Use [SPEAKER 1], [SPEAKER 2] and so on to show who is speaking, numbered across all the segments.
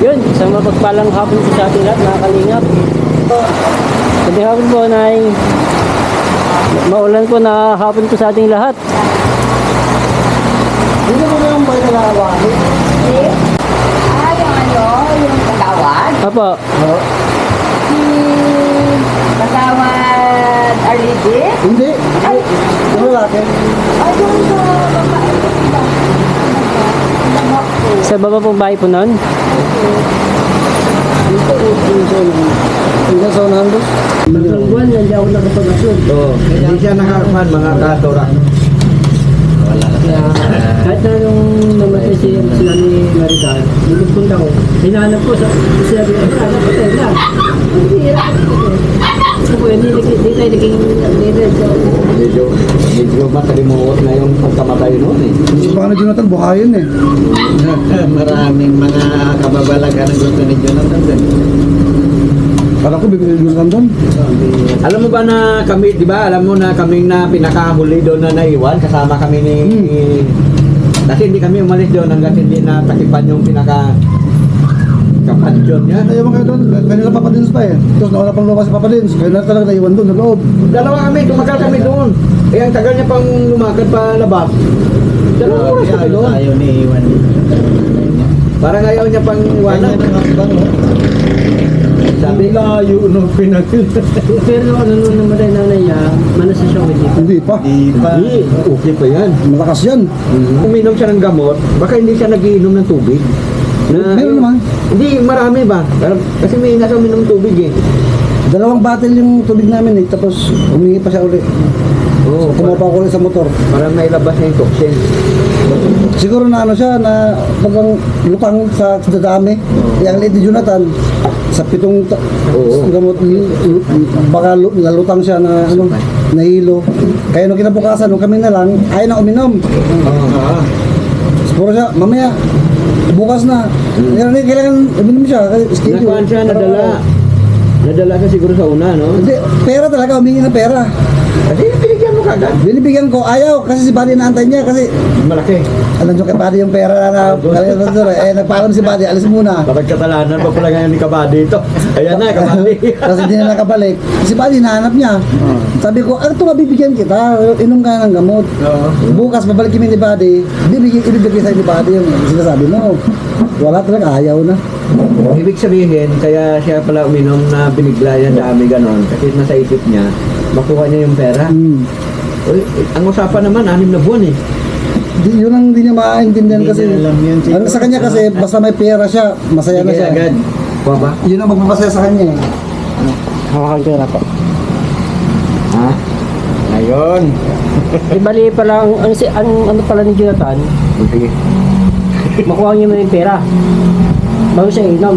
[SPEAKER 1] Yun, isang mapagpalang hapon po sa ating lahat, mga kalingap. Sabi hapon po, Nay. Maulan po na hapon po sa ating lahat.
[SPEAKER 2] Hindi mo na yung boy na nakawali.
[SPEAKER 3] Yung ano, yung Kagawad.
[SPEAKER 1] Apo.
[SPEAKER 3] Si Kagawad Arlidi.
[SPEAKER 2] Hindi. Ano lalaki?
[SPEAKER 3] Ay, yung babae.
[SPEAKER 1] Sa baba pong bahay po nun.
[SPEAKER 2] Hanggang sa unahan doon.
[SPEAKER 1] Isang buwan, hindi ako nakapag-asod.
[SPEAKER 2] Oo. Hindi siya nakakuhan mga katora.
[SPEAKER 1] Kaya kahit na nung namatay sila ni Maricar, nagpunta ko, hinahanap ko sa sila ni Maricar, patay lang. Ang hirap. Ako, hindi tayo naging leader.
[SPEAKER 2] Medyo makalimuot na yung pagkamatay noon eh.
[SPEAKER 4] Si Paano Jonathan, buhayin eh.
[SPEAKER 2] Maraming mga kababalagan ang gusto ni Jonathan.
[SPEAKER 4] Kala ko bibili Jonathan doon.
[SPEAKER 2] Alam mo ba na kami, di ba? Alam mo na kaming na pinakahuli doon na naiwan, kasama kami ni... Kasi hindi kami umalis doon hanggang hindi natakipan yung kapansyon niya.
[SPEAKER 4] Naiwan kayo doon, kanila Papa Dins pa eh. Tapos nawala pang lumabas si Papa Dins. Kaya na talaga naiwan doon, sa loob.
[SPEAKER 2] Dalawa kami, tumagal kami doon. Eh, ang tagal niya pang lumakad pa labas. Dalawang oras kami doon.
[SPEAKER 5] Ayaw ni Iwan.
[SPEAKER 2] Parang ayaw niya pang iwanan. Sabi,
[SPEAKER 5] Layo nung pinagil.
[SPEAKER 1] Pero ano nung namatay nanay niya, manas siya with it.
[SPEAKER 4] Hindi pa.
[SPEAKER 5] Di pa.
[SPEAKER 2] hindi, okay pa yan.
[SPEAKER 4] Malakas yan.
[SPEAKER 2] Uminom siya ng gamot, baka hindi siya nagiinom ng tubig.
[SPEAKER 4] Meron naman.
[SPEAKER 2] Hindi, marami ba? Kasi may nasa uminom ng tubig eh.
[SPEAKER 4] Dalawang bottle yung tubig namin eh. Tapos humingi pa siya ulit.
[SPEAKER 2] Oo,
[SPEAKER 4] Tumapa ko ulit sa motor.
[SPEAKER 2] para mailabas niya yung toxin.
[SPEAKER 4] Siguro na ano siya, na bagang lutang sa dadami. Yang liit ni Jonathan, sa pitong
[SPEAKER 2] Oo.
[SPEAKER 4] gamot, baka nalutang siya na ano, nahilo. Kaya nung kinabukasan, nung kami na lang, ayaw na uminom. Puro siya, mamaya, bukas na. Kailangan uminom siya. Kasi schedule.
[SPEAKER 2] Nakuhaan siya, nadala. Nadala siya siguro sa una, no?
[SPEAKER 4] Hindi, pera talaga, humingi ng pera.
[SPEAKER 2] Kasi binigyan mo kagad.
[SPEAKER 4] Binibigyan ko, ayaw, kasi si Buddy naantay niya, kasi
[SPEAKER 2] Malaki.
[SPEAKER 4] alam nyo kay Buddy yung pera na nagpaalam si Buddy, alis muna.
[SPEAKER 2] Bakit katalanan pa pala ngayon ni Kabady ito? Ayan na, Kabady.
[SPEAKER 4] Kasi hindi na nakabalik. Si Buddy, nahanap niya. Sabi ko, ito mabibigyan kita, inom ka ng gamot. Bukas, babalik kami ni Buddy, ibibigay sa'yo ni Buddy yung sinasabi mo. Wala talaga, ayaw na.
[SPEAKER 2] Ibig sabihin, kaya siya pala uminom na binigla yan dami ganon. Kasi nasa isip niya, makuha niya yung pera. Uy, ang usapan naman, 6 na buwan eh.
[SPEAKER 4] Yun ang hindi niya maintindihan
[SPEAKER 5] Hindi
[SPEAKER 4] kasi.
[SPEAKER 5] niya alam yun,
[SPEAKER 4] Ano sa kanya kasi, basta may pera siya, masaya na
[SPEAKER 2] Sige
[SPEAKER 4] siya.
[SPEAKER 2] agad. Kuha ba?
[SPEAKER 4] Yun ang magpapasaya sa kanya eh.
[SPEAKER 1] Hawakan ko na po.
[SPEAKER 2] Ha?
[SPEAKER 5] Ayun.
[SPEAKER 1] Di bali pala, ang ano pala ni Jonathan,
[SPEAKER 2] Sige.
[SPEAKER 1] makuha niya mo yung pera. Bago siya inom.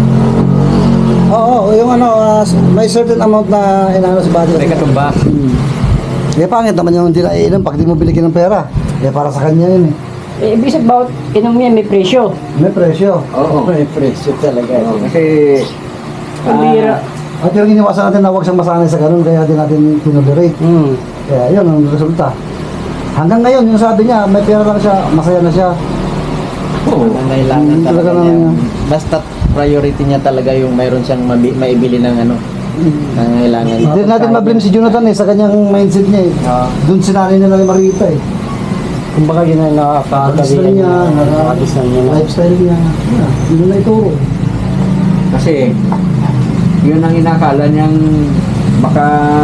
[SPEAKER 4] Oo, yung ano, may certain amount na inaano si Buddy.
[SPEAKER 5] May katumbas.
[SPEAKER 4] Kaya pangit naman yung hindi naiinom pag di mo binigyan ng pera. Kaya para sa kanya yun eh.
[SPEAKER 1] Ibig sabihin, bawat inom niya may presyo.
[SPEAKER 4] May presyo.
[SPEAKER 2] Oo.
[SPEAKER 5] May presyo talaga.
[SPEAKER 2] Oo, kasi...
[SPEAKER 1] Ang bira.
[SPEAKER 4] At yung iniwasan natin na huwag siyang masanay sa ganun, kaya din natin tinolerate. Kaya yun ang resulta. Hanggang ngayon, yung sabi niya, may pera lang siya, masaya na siya.
[SPEAKER 5] Ang kailangan
[SPEAKER 4] Mm,
[SPEAKER 5] talaga
[SPEAKER 4] talaga
[SPEAKER 5] niya.
[SPEAKER 4] naman
[SPEAKER 5] Basta priority niya talaga yung mayroon siyang maibili ng ano. Nangailangan niya.
[SPEAKER 4] Hindi natin ma-blame si Jonathan eh, sa kanyang mindset niya eh. Doon sinanay niya na rin Marita eh.
[SPEAKER 1] Kumbaga yun ang
[SPEAKER 4] Lifestyle niya, lifestyle niya. Yun na ituro.
[SPEAKER 2] Kasi, yun ang inakala niyang baka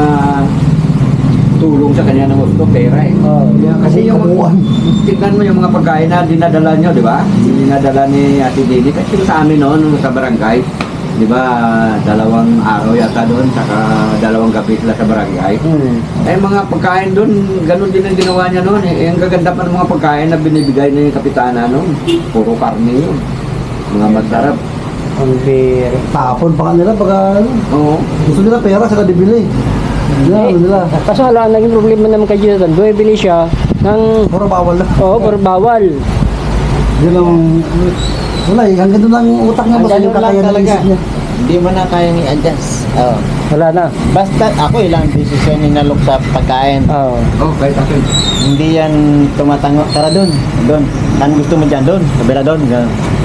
[SPEAKER 2] tulong sa kanya ng gusto, pera eh. Kasi yung, tignan mo yung mga pagkain na dinadala nyo, di ba? Yung dinadala ni Ate Dini, kasi sa amin noon, sa barangay, di ba, 2 araw yata doon, saka 2 gabi sila sa barangay. Eh, mga pagkain doon, ganun din ang ginawa niya noon. Eh, ang gaganda pa ng mga pagkain na binibigay ng kapitana noon, puro karne yun. Mga masarap.
[SPEAKER 1] Ang bira.
[SPEAKER 4] Tapon pa kanila pagka ano.
[SPEAKER 2] Oo.
[SPEAKER 4] Gusto nila pera, saka dibili. Ano nila.
[SPEAKER 1] Kaso wala, naging problema naman kay Jonathan. Bumibili siya ng...
[SPEAKER 4] Puro bawal na.
[SPEAKER 1] Oo, pero bawal.
[SPEAKER 4] Yun ang... Wala eh, hanggang doon lang yung utak niya, basta
[SPEAKER 5] Hanggang
[SPEAKER 4] yung
[SPEAKER 5] doon lang
[SPEAKER 4] kakayanan ng
[SPEAKER 5] talaga.
[SPEAKER 4] isip niya.
[SPEAKER 5] Hindi mo na kayang i-adjust. Oh.
[SPEAKER 1] Wala na.
[SPEAKER 5] Basta ako ilang desisyon inalok sa pagkain.
[SPEAKER 1] Oo.
[SPEAKER 2] Oh, kahit ako.
[SPEAKER 5] Hindi yan tumatango. Tara doon. Doon. Saan gusto mo dyan? Doon. Kabila doon. Ganun.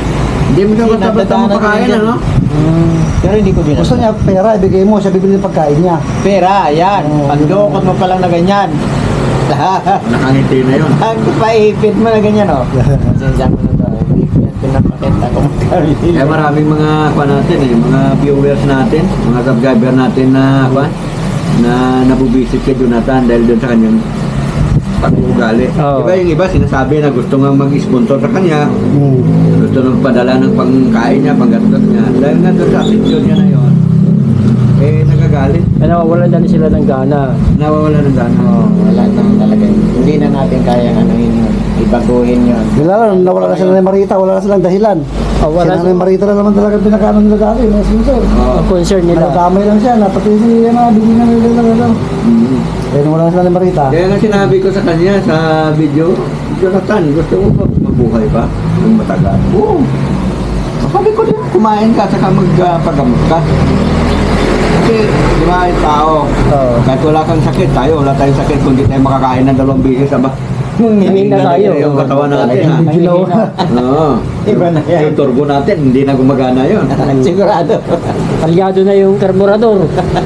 [SPEAKER 2] Hindi mo daw basta-basta mapakain, ano?
[SPEAKER 5] Pero hindi ko
[SPEAKER 4] Gusto niya pera, ibigay mo, siya bibili ng pagkain niya.
[SPEAKER 5] Pera, yan. Pagdukot mo pa lang na ganyan.
[SPEAKER 2] Nakangiti na yun.
[SPEAKER 5] Ang paipit mo na ganyan, oh. Pasensya mo na to. Hindi yan pinapakita ko magkabili.
[SPEAKER 2] Kaya maraming mga natin mga viewers natin, mga subscriber natin na na nabubisit kay Jonathan dahil doon sa kanyang pag-uugali.
[SPEAKER 1] Oo.
[SPEAKER 2] Diba yung iba sinasabi na gusto nga mag-sponsor sa kanya, gusto nang padala ng pangkain niya, panggastos niya. Dahil nga doon sa attitude niya na yun, nagagalit.
[SPEAKER 1] Nawawala na sila ng gana.
[SPEAKER 2] Nawawala ng gana.
[SPEAKER 5] Wala naman talaga yun. Hindi na natin kayang anuhin yun. Ibaguhin yun.
[SPEAKER 4] Nawala na sila ni Marita, wala na silang dahilan.
[SPEAKER 1] Wala
[SPEAKER 4] Sila ni Marita na naman talaga pinakaano nila dati, mga sponsor.
[SPEAKER 1] ang concern nila.
[SPEAKER 4] Nagkamay lang siya, napati si bigyan na nila. Kaya wala na sila ni Marita.
[SPEAKER 2] Kaya nga sinabi ko sa kanya sa video, Jonathan, gusto mo ba mabuhay pa ng matagal? Oo. Sabi ko din, kumain ka, saka magpagamot ka. Kasi, di ba, yung tao, kahit wala kang sakit, tayo, wala tayong sakit, kundi tayo makakain ng 2 beses, aba.
[SPEAKER 1] Hindi na tayo.
[SPEAKER 2] Yung katawan natin, ha?
[SPEAKER 1] Mahihina.
[SPEAKER 2] Oo.
[SPEAKER 5] Iba na yan.
[SPEAKER 2] Yung turbo natin, hindi na gumagana yun.
[SPEAKER 5] Sigurado.
[SPEAKER 1] Kalyado na yung karburador.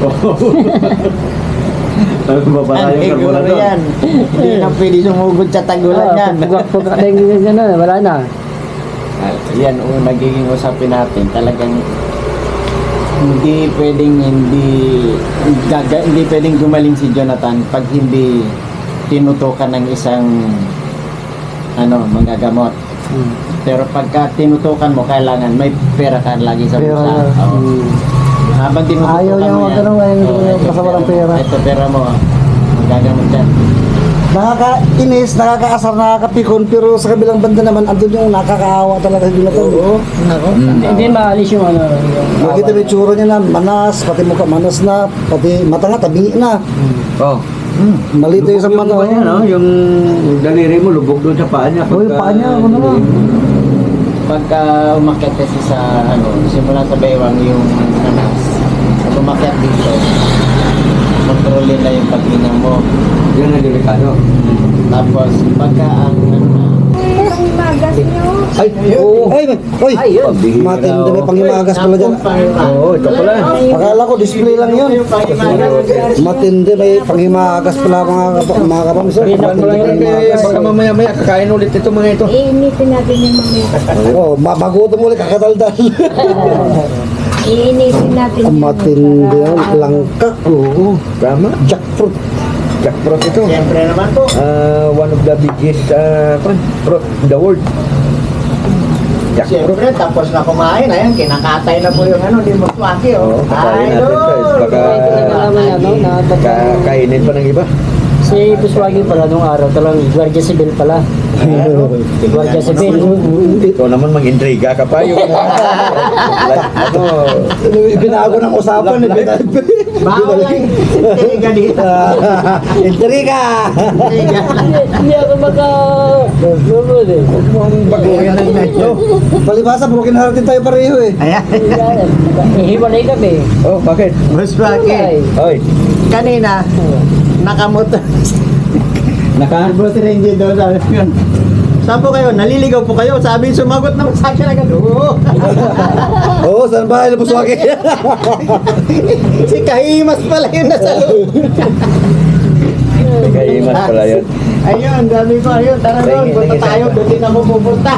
[SPEAKER 2] Babara
[SPEAKER 5] Ang
[SPEAKER 2] yung
[SPEAKER 5] siguro
[SPEAKER 2] karburador.
[SPEAKER 5] yan. Hindi na pwede sumugod sa tagulan yan.
[SPEAKER 1] Pagka na, wala na.
[SPEAKER 5] Yan, nagiging usapin natin. Talagang hindi pwedeng hindi pwedeng gumaling si Jonathan pag hindi tinutukan ng isang manggagamot. Pero pagka tinutukan mo, kailangan may pera ka lagi sa
[SPEAKER 4] Pera.
[SPEAKER 5] bulsa. Oo. Habang tinutukan
[SPEAKER 4] Ayaw niya
[SPEAKER 5] mo yan.
[SPEAKER 4] magtanong, ayaw niya
[SPEAKER 5] Oo,
[SPEAKER 4] basta walang pera.
[SPEAKER 5] Ito pera mo, magagamot yan.
[SPEAKER 4] Nakakainis, nakakaasar, nakakapikon, pero sa kabilang banda naman, andun yung nakakaawa talaga sa Jonathan. Oo.
[SPEAKER 1] Hindi maalis yung ano.
[SPEAKER 4] Makita mo yung tsura niya na manas, pati mukha manas na, pati mata nga, tabi na.
[SPEAKER 2] Oh.
[SPEAKER 4] Malito yung sa mata.
[SPEAKER 2] Lubog yung, no? Yung daliri mo, lubog doon sa paa niya.
[SPEAKER 4] Oo, yung paa niya, ano na.
[SPEAKER 5] Pagka umakyat kasi sa simula sa baywang yung anas, pag umakyat dito, kontrolin na yung paghinga mo.
[SPEAKER 2] Yan ang delikado.
[SPEAKER 5] Tapos pagka ang
[SPEAKER 3] Ang magas nyo.
[SPEAKER 2] Ay, oo.
[SPEAKER 4] Ay, matindi, may pangimagas pala dyan.
[SPEAKER 2] Oo, ito pala.
[SPEAKER 4] Akala ko display lang yun. Matindi, may pangimagas pala mga kapams.
[SPEAKER 2] Ano mo lang yun, kaya baka mamaya-maya kakain ulit ito mga ito.
[SPEAKER 3] Iinitin natin yung mamaya.
[SPEAKER 4] Oh, magutom ulit, kakataldal.
[SPEAKER 3] Iinitin natin yung
[SPEAKER 4] Matindi yun, langka. Oo,
[SPEAKER 2] Tama.
[SPEAKER 4] jackfruit.
[SPEAKER 2] Jackfruit ito.
[SPEAKER 5] Siyempre naman po.
[SPEAKER 2] One of the biggest fruit in the world. Jackfruit.
[SPEAKER 5] Siyempre, tapos na kumain, ayan, kinakatay na po yung di mo swaki,
[SPEAKER 2] Oo, kakain natin guys. Baka kainin pa ng iba.
[SPEAKER 1] Si Buswagi pala nung araw talagang Guardia Civil pala. Guardia Civil.
[SPEAKER 2] Ito naman mag-intriga ka pa yung
[SPEAKER 4] Binago ng usapan.
[SPEAKER 5] Bawal lang. Tiga dito.
[SPEAKER 4] Intriga!
[SPEAKER 1] Hindi ako maka-lulod eh.
[SPEAKER 2] baguhin ng medyo.
[SPEAKER 4] Palibasa, broken hearted tayo pareho eh.
[SPEAKER 5] Ayan.
[SPEAKER 1] Hiwalay kami.
[SPEAKER 2] Oh, bakit?
[SPEAKER 5] Mas bakit?
[SPEAKER 2] Oy,
[SPEAKER 5] Kanina, nakamotor. Naka-bus ranger doon, sabi ko yun. Saan po kayo? Naliligaw po kayo? Sabi, sumagot naman sa akin agad. Oo.
[SPEAKER 4] Oo, saan ba? Ano po swagi?
[SPEAKER 5] Si Kahimas pala yun nasa loob.
[SPEAKER 2] kaimas pala yun.
[SPEAKER 5] Ayun, sabi ko, ayun, tara doon. Punta tayo, doon din ako pupunta.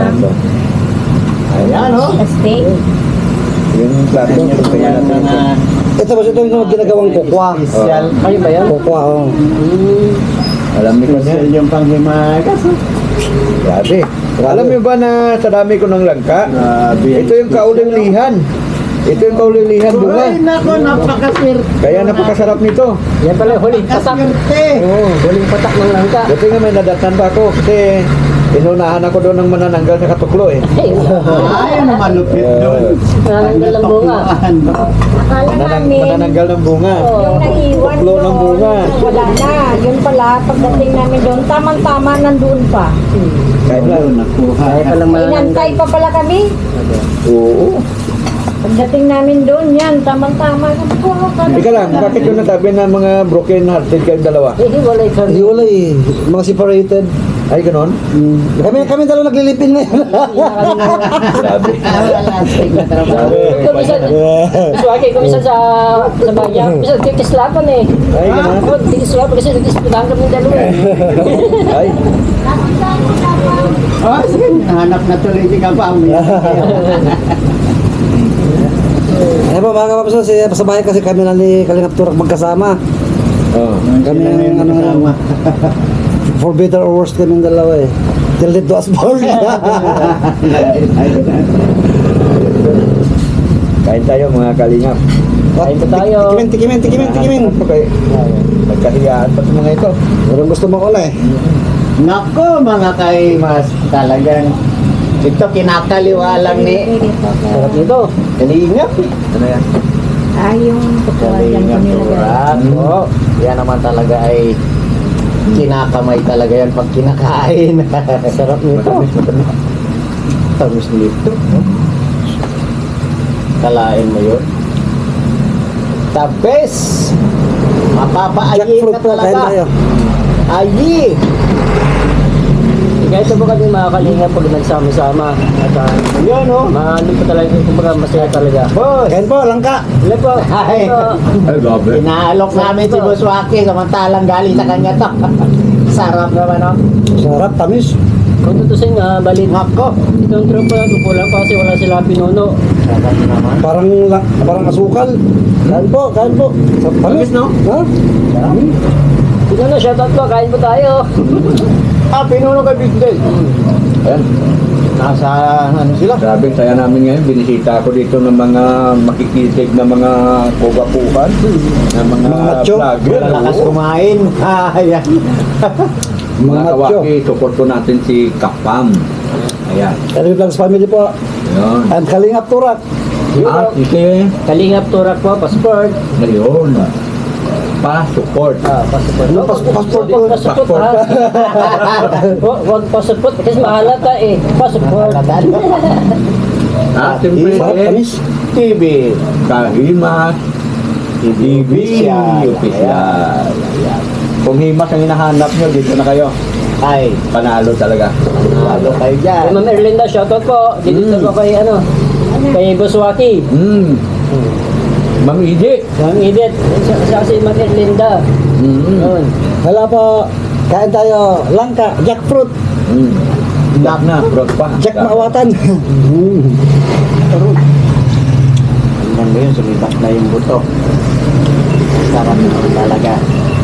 [SPEAKER 5] Ayan, oh.
[SPEAKER 3] Steak.
[SPEAKER 2] Yung plato, kaya natin ito.
[SPEAKER 4] Ito ba ito yung ginagawang kokwa?
[SPEAKER 5] Special.
[SPEAKER 1] Kayo ba yan?
[SPEAKER 4] Kokwa, oh.
[SPEAKER 2] Alam niyo ba
[SPEAKER 5] Special yung panghimagas.
[SPEAKER 2] Grabe. Alam niyo ba na sa dami ko ng langka? Ito yung kaulilihan. Ito yung kaulilihan bunga.
[SPEAKER 5] Ay, nako, napakaswerte.
[SPEAKER 2] Kaya napakasarap nito.
[SPEAKER 1] Yan pala, huling patak.
[SPEAKER 5] Napakaswerte.
[SPEAKER 1] Oo, huling patak ng langka.
[SPEAKER 2] Buti nga may nadatnan pa ako kasi inunahan ako doon ng manananggal sa katuklo eh.
[SPEAKER 5] Ay, ano malupit doon.
[SPEAKER 1] Nananggal ang bunga.
[SPEAKER 3] Akala namin,
[SPEAKER 2] Manananggal ng bunga.
[SPEAKER 3] yung naiwan
[SPEAKER 2] Tuklo ng bunga.
[SPEAKER 3] wala na. Yun pala, pagdating namin doon, tamang-tama nandun pa.
[SPEAKER 2] Kahit lang.
[SPEAKER 1] Kaya palang manananggal.
[SPEAKER 3] Inantay pa pala kami.
[SPEAKER 2] Oo.
[SPEAKER 3] Pagdating namin doon, yan, tamang-tama.
[SPEAKER 2] Ika lang, bakit yung nasabi na mga broken hearted kayong dalawa?
[SPEAKER 1] Eh, hiwalay kami.
[SPEAKER 4] Hiwalay, mga separated.
[SPEAKER 2] Ay, ganon?
[SPEAKER 4] Kami dalawa naglilipin na yun.
[SPEAKER 2] Grabe.
[SPEAKER 5] Lasting na trabaho.
[SPEAKER 1] Kumisan, Swaki, kumisan sa bahay niya. Kumisan, kikislapan eh.
[SPEAKER 2] Ay, ganon?
[SPEAKER 1] Oo, kikislapan kasi nagkislapan kami ng dalawa eh.
[SPEAKER 2] Ay,
[SPEAKER 5] Oh, sige. Hanap na tuloy si Kapam.
[SPEAKER 4] Eh po mga kapapasal, sa bahay kasi kami na ni Kalingap Turak magkasama.
[SPEAKER 2] oh.
[SPEAKER 4] Kami ang ano, for better or worse kami dalawa eh. Till death do us part.
[SPEAKER 2] Kain tayo mga kalingap.
[SPEAKER 1] Kain po tayo.
[SPEAKER 4] Tikimin.
[SPEAKER 2] Ano kayo? Nagkahiyaan pa sa mga ito.
[SPEAKER 4] Walang gusto mo ko eh.
[SPEAKER 5] Nako, mga kaimas. Talagang ito kinakaliwa lang ni
[SPEAKER 1] Sarap nito.
[SPEAKER 5] Kalingap.
[SPEAKER 2] Ano yan?
[SPEAKER 3] Yung yan
[SPEAKER 5] Kalingap
[SPEAKER 3] kanila.
[SPEAKER 5] turak. Oh, yan naman talaga ay kinakamay talaga yan pag kinakain.
[SPEAKER 1] Sarap nito.
[SPEAKER 5] Tamis nito. Kalain mo yun. The best! Mapapaayin
[SPEAKER 4] Jackfruit
[SPEAKER 5] ka
[SPEAKER 4] po, kain
[SPEAKER 5] talaga.
[SPEAKER 4] tayo.
[SPEAKER 5] Ayi!
[SPEAKER 1] Kahit po kami mga kalinga pag nagsama-sama. At
[SPEAKER 5] Yun oh.
[SPEAKER 1] maano po talaga, kumbaga masaya talaga.
[SPEAKER 5] Boss!
[SPEAKER 4] Kain po, langka.
[SPEAKER 1] Ilan po?
[SPEAKER 5] Ay.
[SPEAKER 2] Ay, grabe.
[SPEAKER 5] Inaalok namin si Boss Waki samantalang galing sa kanya to. Sarap naman oh.
[SPEAKER 4] Sarap, tamis.
[SPEAKER 1] Kung tutusin nga, balit.
[SPEAKER 5] Nako!
[SPEAKER 1] Itong tropa, kukulang pa kasi wala sila pinuno.
[SPEAKER 5] Sarap naman.
[SPEAKER 4] Parang asukal. Kain po. Tamis, no? Ha?
[SPEAKER 1] Pinuno, shoutout po, kain po tayo.
[SPEAKER 5] Ah, pinuno kay Big Del.
[SPEAKER 2] Ayan.
[SPEAKER 5] Nasa ano sila?
[SPEAKER 2] Grabe, saya namin ngayon. Binisita ako dito ng mga makikisig na mga kugapuhan. Na mga
[SPEAKER 4] Mga macho.
[SPEAKER 2] vlogger.
[SPEAKER 5] Malakas
[SPEAKER 2] Oo.
[SPEAKER 5] kumain. Ayan.
[SPEAKER 4] Mga
[SPEAKER 2] Mga
[SPEAKER 4] macho.
[SPEAKER 2] kawaki, support ko natin si Kapam. Ayan.
[SPEAKER 4] Kalingap Vlogs family po.
[SPEAKER 2] Ayun.
[SPEAKER 4] And Kalingap Turak.
[SPEAKER 2] Ike.
[SPEAKER 1] Kalingap turak po, passport.
[SPEAKER 2] Ayun. Pa-support.
[SPEAKER 1] Passport.
[SPEAKER 4] Ano, passport po?
[SPEAKER 1] Passport ha. Huwag passport kasi mahalata eh. Passport.
[SPEAKER 2] At siyempre,
[SPEAKER 4] Sarap, tamis.
[SPEAKER 5] TV.
[SPEAKER 2] Kahimas. TV
[SPEAKER 5] Official.
[SPEAKER 2] Official. Ayan. Kung himas ang hinahanap nyo, dito na kayo.
[SPEAKER 5] Ay,
[SPEAKER 2] Panalo talaga.
[SPEAKER 5] lalo kayo
[SPEAKER 1] Kay
[SPEAKER 5] dyan.
[SPEAKER 1] Ma'am Erlinda, shoutout po. Dito po kay kay Boss Waki.
[SPEAKER 2] Ma'am Iji.
[SPEAKER 1] Ma'am Edith. Siya si Ma'am Erlinda. Yun.
[SPEAKER 4] Hala po. Kain tayo. Langka. Jackfruit.
[SPEAKER 2] Jack na, bro pa.
[SPEAKER 4] Jack maawatan.
[SPEAKER 5] Tingnan mo yun, sumibat na yung buto. Sarap naman talaga.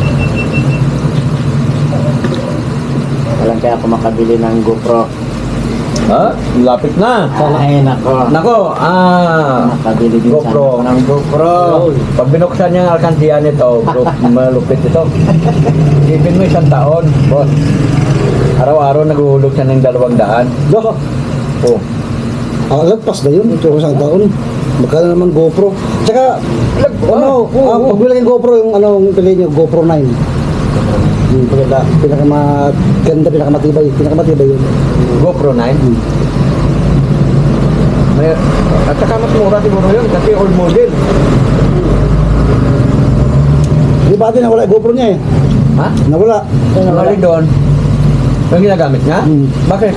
[SPEAKER 5] Walang kaya ako makabili ng GoPro.
[SPEAKER 2] Ha? Lapit na.
[SPEAKER 5] Ay, nako.
[SPEAKER 2] Nako,
[SPEAKER 5] Makabili din
[SPEAKER 2] GoPro.
[SPEAKER 5] sana ako ng GoPro.
[SPEAKER 2] Pag binuksan niya ang alkansiya nito, bro, malupit ito. Isipin mo 1 taon, boss. Araw-araw naguhulog siya ng 200.
[SPEAKER 4] Doko.
[SPEAKER 2] Oh.
[SPEAKER 4] Lagpas na yun. Ito isang taon. Magkano naman GoPro. Tsaka, pagbilang yung GoPro, yung yung pili nyo, GoPro 9. Pinakamaganda, pinakamatibay yun.
[SPEAKER 2] GoPro 9. May, at saka mas mura siguro yun kasi old model.
[SPEAKER 4] Di ba natin nawala yung GoPro niya eh?
[SPEAKER 2] Ha?
[SPEAKER 4] Nawala.
[SPEAKER 2] Wala rin doon. Yung ginagamit niya? Bakit?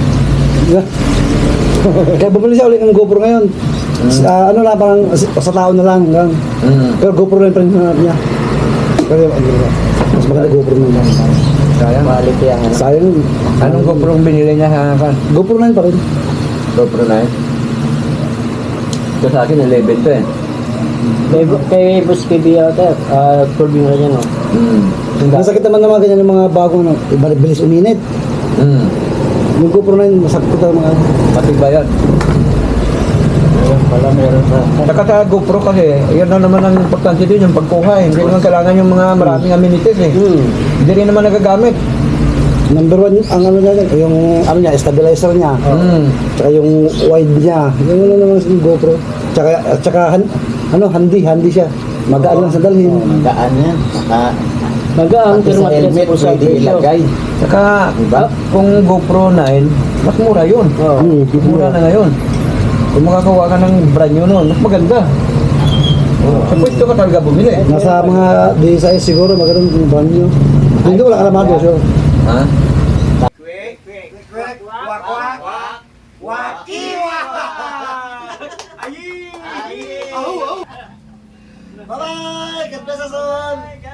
[SPEAKER 4] Kaya bumili siya ulit ng GoPro ngayon. Ano lang, parang sa tao na lang. Pero GoPro na yung hanap niya. Pero mas maganda GoPro na lang.
[SPEAKER 2] Sayang.
[SPEAKER 5] Quality ang ano.
[SPEAKER 4] Sayang yun.
[SPEAKER 2] Anong GoPro ang binili niya sa
[SPEAKER 4] GoPro 9 pa rin.
[SPEAKER 2] GoPro 9? Ito sa akin 11 to eh.
[SPEAKER 1] Kay Boss KB ata, 12 yung kanya no.
[SPEAKER 4] Masakit naman ganyan yung mga bagong bilis uminit. Yung GoPro 9, masakit ito mga
[SPEAKER 2] Pati ba yan?
[SPEAKER 5] Ayun pala, meron pa.
[SPEAKER 2] Saka sa GoPro kasi, yun na naman ang importante din yung pagkuha eh. Hindi naman kailangan yung mga maraming amenities eh. Hindi rin naman nagagamit.
[SPEAKER 4] number 1, ang ano niya, yung ano niya, stabilizer niya. Tsaka yung wide niya. Yung ano naman sa GoPro. Tsaka handy siya. Magaan lang sa dalhin.
[SPEAKER 5] Magaan yan. Saka,
[SPEAKER 1] Magaan,
[SPEAKER 5] pati
[SPEAKER 1] pero
[SPEAKER 5] sa
[SPEAKER 1] matigas
[SPEAKER 5] helmet
[SPEAKER 1] po sa
[SPEAKER 5] pwede
[SPEAKER 1] presyo.
[SPEAKER 5] ilagay.
[SPEAKER 2] Saka, kung GoPro 9, mas mura yun. Mura na ngayon. Kung makakuha ka ng brand new nun, mas maganda. Sa pwesto ka talaga bumili.
[SPEAKER 4] Nasa mga D size siguro, magandang yung brand nyo. Hindi wala ka naman doon, sure.
[SPEAKER 2] Ha?
[SPEAKER 4] Bye-bye! God bless us all!